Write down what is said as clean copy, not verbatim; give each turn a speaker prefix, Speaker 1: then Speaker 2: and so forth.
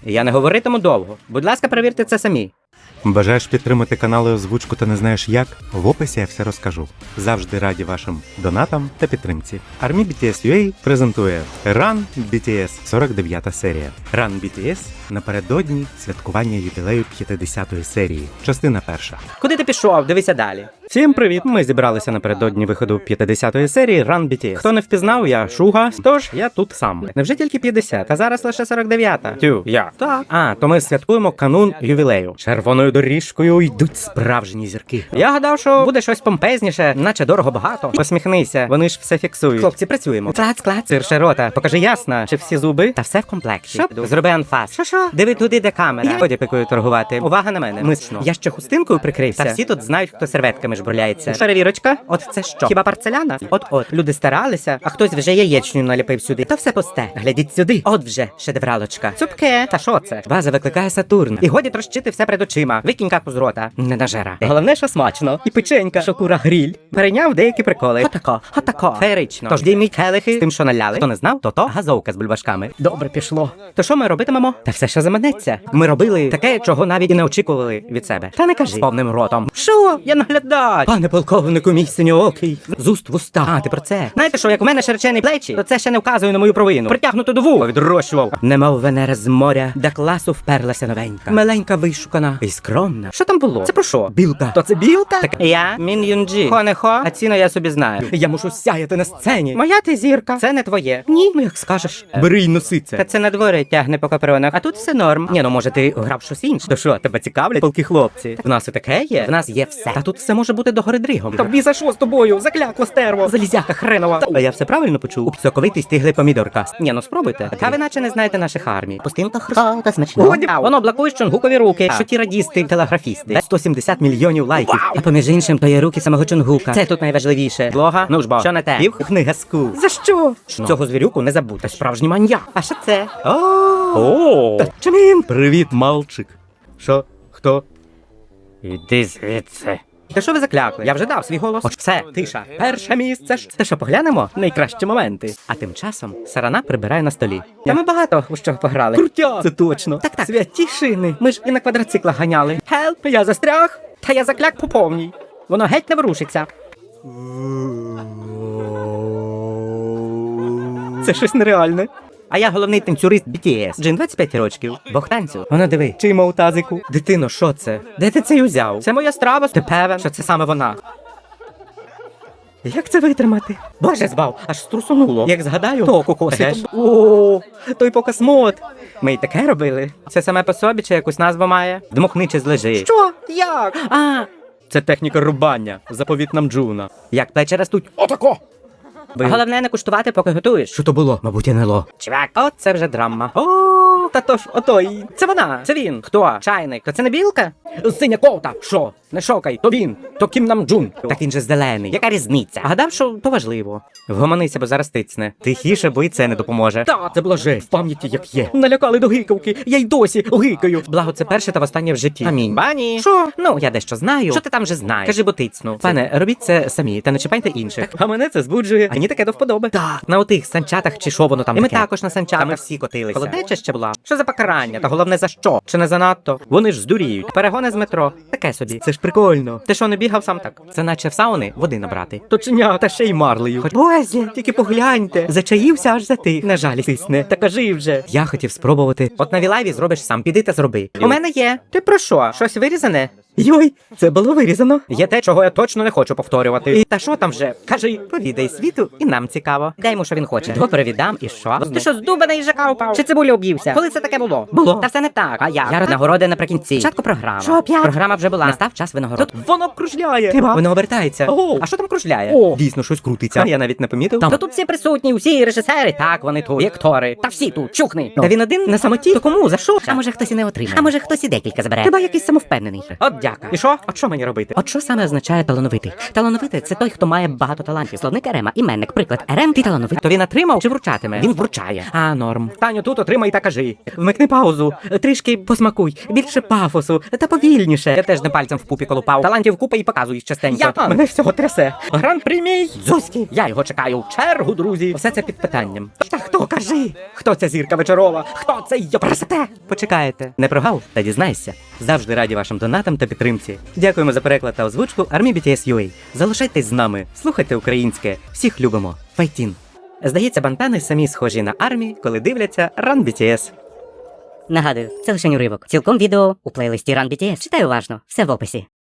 Speaker 1: Я не говоритиму довго. Будь ласка, перевірте це самі.
Speaker 2: Бажаєш підтримати канал і озвучку та не знаєш як? В описі я все розкажу. Завжди раді вашим донатам та підтримці. Army BTS UA презентує Run BTS 49 серія. Run BTS напередодні святкування ювілею 50-ї серії. Частина перша.
Speaker 1: Куди ти пішов? Дивися далі. Всім привіт! Ми зібралися напередодні виходу 50-ї серії Run BTS. Хто не впізнав, я Шуга, тож я тут сам. Невже тільки 50, а зараз лише 49-та? Тю, я. Так. А, то ми святкуємо канун ювілею. Червоною доріжкою йдуть справжні зірки. Я гадав, що буде щось помпезніше, наче дорого багато. Посміхнися, вони ж все фіксують. Хлопці, працюємо. Клац. Цирше рота. Покажи ясно, чи всі зуби та все в комплекті. Що? Зроби анфас. Що? Диви туди, де камера. Ході пикою торгувати. Увага на мене. Мисно. Я ще хустинкою прикрився. Та всі тут знають, хто серветками жбурляється. Перевірочка. От це що? Хіба порцеляна? От. Люди старалися, а хтось вже яєчню наліпив сюди. То все пусте. Глядіть сюди. От вже шедевралочка. Цупке. Та що це? Ваза викликає Сатурн. І годі трощити все перед очима. Викинь каку з рота. Не нажера. Головне, що смачно. І печенька, що кура гріль. Перейняв деякі приколи. Отако. Феєрично. Тож дійміть келихи з тим, що наляли. Хто не знав, то газовка з бульбашками. Добре пішло. То що ми робитимемо? Та все, що заманеться. Ми робили таке, чого навіть і не очікували від себе. Та не кажи. З повним ротом. Що? Я наглядач. Пане полковнику, мій синьоокий. З уст в уста. А, ти про це. Знаєте що, як у мене широчені плечі, то це ще не вказує на мою провину. Притягнуто до вуха відрощував. Немов Венера з моря, до класу вперлася новенька. Миленька вишукана і скромна. Що там було? Це про що? Білка. То це білка? Так я Мін Юнджі. Хо не хо, а ціну я собі знаю. Я мушу сяяти на сцені. Моя ти зірка. Це не твоє. Ні, ну як скажеш. Бери й носи це. Та це на дворі тягне по капронах. А тут все норм. Ні, ну може ти грав щось інше. То що, тебе цікавлять полки хлопці? В нас і таке є. В нас є все. Та тут все може бути догори дригом. Тобі за що з тобою? Заклякло стерво. Залізяка хренова. А я все правильно почув? Соковитий стиглий помідорка. Ні, ну спробуйте. Та ви наче не знаєте наших армій. Пустинка хруста та смачно. Воно блокує Чонгукові руки. Що ті радісти, телеграфісти. 170 мільйонів лайків. А поміж іншим, то є руки самого Чонгука. Це тут найважливіше. Блога? Ну ж бо. Що не те? Пів книга скул. За що? Цього звірюку не забудьте. Справжній маньяк. А що це? О! Чамін! Привіт, мальчик. Що? Хто? Іди звідси. Та що ви заклякли? Я вже дав свій голос. Все, тиша. Перше місце. Та що, поглянемо? Найкращі моменти. А тим часом Сарана прибирає на столі. Та ми багато у що пограли. Крутя! Це точно. Так. Святі шини. Ми ж і на квадроциклах ганяли. Хелп, я застряг. Та я закляк по повній. Воно геть не ворушиться. Це щось нереальне. А я головний танцюрист BTS. Джин 25 років. Бог танцю. Воно диви, чиймо у тазику. Дитино, що це? Де ти це узяв? Це моя страва. Ти певен, що це саме вона? Як це витримати? Боже збав, аж струсонуло. Як згадаю, то кокосить. О, той покосмот. Ми й таке робили. Це саме по собі чи якусь назву має? Дмухни чи злежи. Що? Як? Це техніка рубання. Заповіт нам Джуна. Як плечі ростуть. Отако! Головне не куштувати, поки готуєш. Що то було? Мабуть, НЛО. Чувак, от це вже драма. О, та то ж, отой. Це вона, це він. Хто? Чайник. То це не білка? Синя ковта. Що? Не шокай. То він. То Кім Нам Джун. Так він же зелений. Яка різниця? Гадав, що то важливо. Вгомонися, бо зараз тицне. Тихіше, бо і це не допоможе. Та, це була жесть. В пам'яті як є. Налякали до гикавки. Я й досі гикаю. Благо, це перше та востаннє в житті. Амінь. Бані. Що? Ну, я дещо знаю. Що ти там вже знаєш? Кажи, бо тицну. Пане, робіть це самі, та не чіпайте інших. А мене це збуджує. Мені таке до вподоби. Так, на отих санчатах чи що воно там. І ми також на санчатах. Ми всі котилися. Холоднеча ще була. Що за покарання? Та головне за що? Чи не занадто? Вони ж здуріють. Перегони з метро. Таке собі. Це ж прикольно. Ти що, не бігав сам так? Це наче в сауни води набрати. Точня, та ще й марлею. Хоч бозі, тільки погляньте. Зачаївся аж за ти. На жаль, тисне. Та кажи вже. Я хотів спробувати. От на Вілайві зробиш сам. Піди та зроби. У мене є. Ти про що? Щось вирізане? Йой, це було вирізано. Є те, чого я точно не хочу повторювати. І та що там вже? Кажи, повідай світу, і нам цікаво. Дай йому, що він хоче. Добре, віддам, і що? Ти що, здубаний жака упав? Чи цибулю об'ївся? Коли це таке було? Було. Та все не так. А я нагороди наприкінці. Спочатку програма. Що, опять? Програма вже була. Настав час винагород. Тут воно кружляє. Ти ба? Воно обертається. Ого. А що там кружляє? О, дійсно, щось крутиться. А я навіть не помітив. Та тут всі присутні, всі режисери. Так, вони тут. І актори. Та всі тут. Чухни. Та він один на самоті? То кому? За що? А може хтось і не отримає? А може хтось і декілька забере? Хіба якийсь самовпевнений? От дяка. І що? От що мені робити? От що саме означає талановитий? Талановитий – це той, хто має багато талантів. Словник Ерема, іменник, приклад. Ерем, ти талановитий. То він отримав чи вручатиме? Він вручає. А, норм. Таню, тут отримай та кажи. Вмикни паузу. Трішки посмакуй. Більше пафосу. Та повільніше. Я теж не пальцем в пупі дупі колупав. Талантів купа і показуєш частенько. Мене всього трясе. Гран-прі мій дзузький. Я його чекаю в чергу, друзі. Все це під питанням. Та хто, кажи? Хто ця зірка вечорова? Хто це йопрасете? Почекаєте. Не прогав? Та дізнайся. Завжди раді вашим донатам та підтримці. Дякуємо за переклад та озвучку Army BTS UA. Залишайтесь з нами, слухайте українське. Всіх любимо. Файтін. Здається, бантани самі схожі на армії, коли дивляться Run BTS.
Speaker 3: Нагадую, це лише уривок. Цілком відео у плейлисті Run BTS. Читай уважно, все в описі.